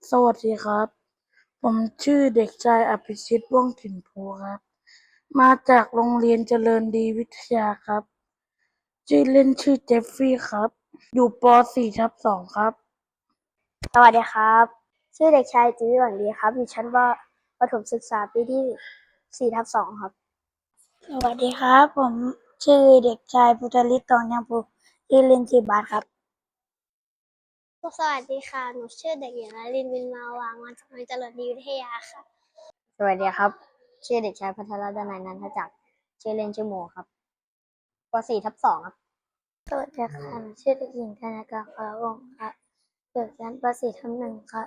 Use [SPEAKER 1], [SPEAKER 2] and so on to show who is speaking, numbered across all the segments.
[SPEAKER 1] สวัสดีครับ ผมชื่อเด็กชายอภิชิตว่องถิ่นภูครับ มาจากโรงเรียนเจริญดีวิทยาครับ ชื่อเล่นชื่อเจฟฟี่ครับ อยู่ป .4/2 ครับ
[SPEAKER 2] สวัสดีครับชื่อเด็กชายจิวิหวังดีครับอยู่ชั้นประถมศึกษาปีที่4/2ครับ
[SPEAKER 1] สวัสดีครับ ผมชื่อเด็กชายพุทธฤทธิ์ ตองยังภูชื่อเล่นชื่อบาสครับ
[SPEAKER 2] สวัสดีค่ะหนูชื่อเด็กหญิงนลินวินมาวางมาจากโรงเรียนเจริญดีวิทยาค่ะสวัสดีครับชื่อเด็กชายพัทรดนัยนันทจักรชื่อเล่นชื่อโมครับป .4/2 ครับ
[SPEAKER 1] สวัสดีค่ะหนูชื่อเด็กหญิงธนากร พลวงศ์ครับอยู่ชั้นป .4/1 ครับ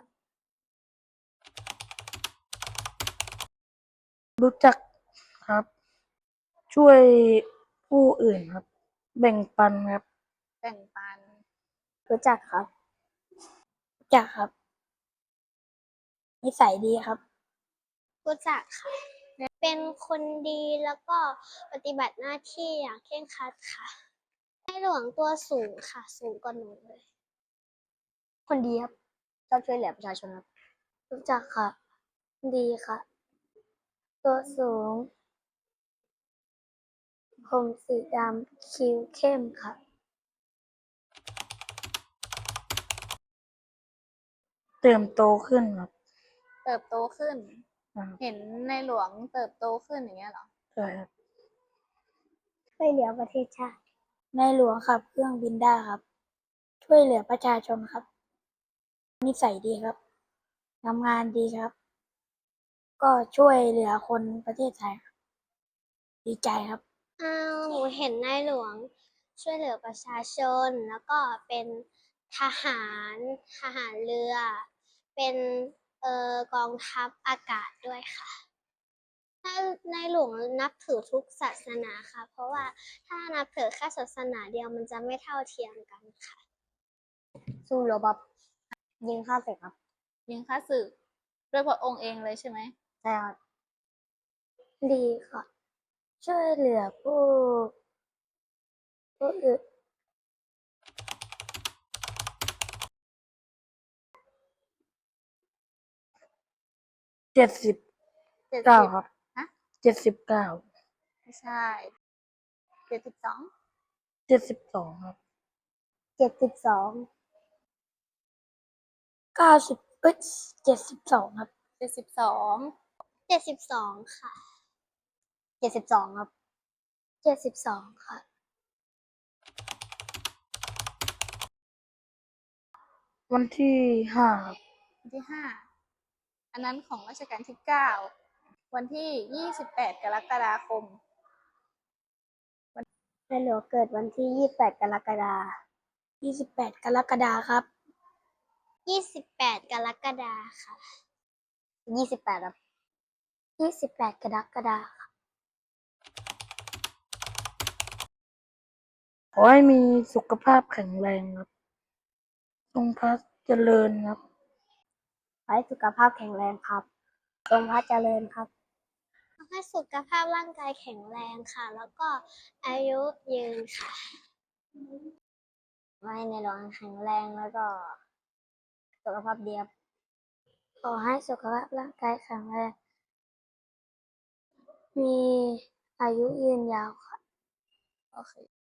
[SPEAKER 1] รู้จักครับ ช่วยผู้อื่นครับ แบ่งปันครับ
[SPEAKER 2] แบ่งปันรู้จักครับ
[SPEAKER 1] รู้จักครับ นิสัยดีครับ
[SPEAKER 2] รู้จักค่ะเป็นคนดีแล้วก็ปฏิบัติหน้าที่อย่างเคร่งครัดค่ะในหลวงตัวสูงค่ะสูงกว่าหนูเลยคนดีครับชอบช่วยเหลือประชาชนครับ
[SPEAKER 1] รู้จักค่ะ ดีค่ะ ตัวสูง ผมสีดำ คิ้วเข้มค่ะ เติมโตขึ้นครับ
[SPEAKER 3] เติบโตขึ้น
[SPEAKER 1] ครับ
[SPEAKER 3] เห็นในหลวงเติบโตขึ้นอย่างเงี้ยเหรอ
[SPEAKER 1] ใช่ครับ
[SPEAKER 2] ช่วยเหลือประเทศชาติ
[SPEAKER 1] ในหลวงขับเครื่องบินได้ครับ ช่วยเหลือประชาชนครับ นิสัยดีครับ ทำงานดีครับ ก็ช่วยเหลือคนประเทศไทยครับ ดีใจครับ
[SPEAKER 2] หนูเห็นในหลวงช่วยเหลือประชาชนแล้วก็เป็นทหารทหารเรือ เป็นกองทัพอากาศด้วยค่ะในหลวงนับถือทุกศาสนาค่ะเพราะว่าถ้านับถือแค่ศาสนาเดียวมันจะไม่เท่าเทียมกันค่ะสู้รบครับยิงฆ่าศึกครับ
[SPEAKER 3] ยิงฆ่าศึกด้วยพระองค์เองเลยใช่ไหม
[SPEAKER 2] ใช่ครับ
[SPEAKER 1] ดีค่ะ ช่วยเหลือผู้อื่น 79 ครับ
[SPEAKER 3] ฮะ
[SPEAKER 1] 79
[SPEAKER 3] ไม่ใช่72
[SPEAKER 1] 72 ครับ
[SPEAKER 2] 72
[SPEAKER 1] 90 72 ครับ
[SPEAKER 3] 72
[SPEAKER 2] 72ค่ะ72ครับ
[SPEAKER 1] 72 ค่ะ วันที่ 5 ครับ
[SPEAKER 3] วันที่ 5 อันนั้นของรัชกาลที่ 9 วันที่ 28 กรกฎาคม
[SPEAKER 2] ในหลวงเกิดวันที่28 กรกฎาคม
[SPEAKER 1] 28 กรกฎาคมครับ
[SPEAKER 2] 28 กรกฎาคมค่ะ28ครับ
[SPEAKER 1] 28 กรกฎาคม ขอให้มีสุขภาพแข็งแรงครับ ทรงพระเจริญครับ
[SPEAKER 2] ขอให้สุขภาพแข็งแรงครับทรงพระเจริญครับขอให้สุขภาพร่างกายแข็งแรงค่ะ แล้วก็อายุยืนค่ะขอให้ในหลวงแข็งแรงแล้วก็สุขภาพดีครับ
[SPEAKER 1] ขอให้สุขภาพร่างกายแข็งแรง มีอายุยืนยาวค่ะ
[SPEAKER 3] โอเค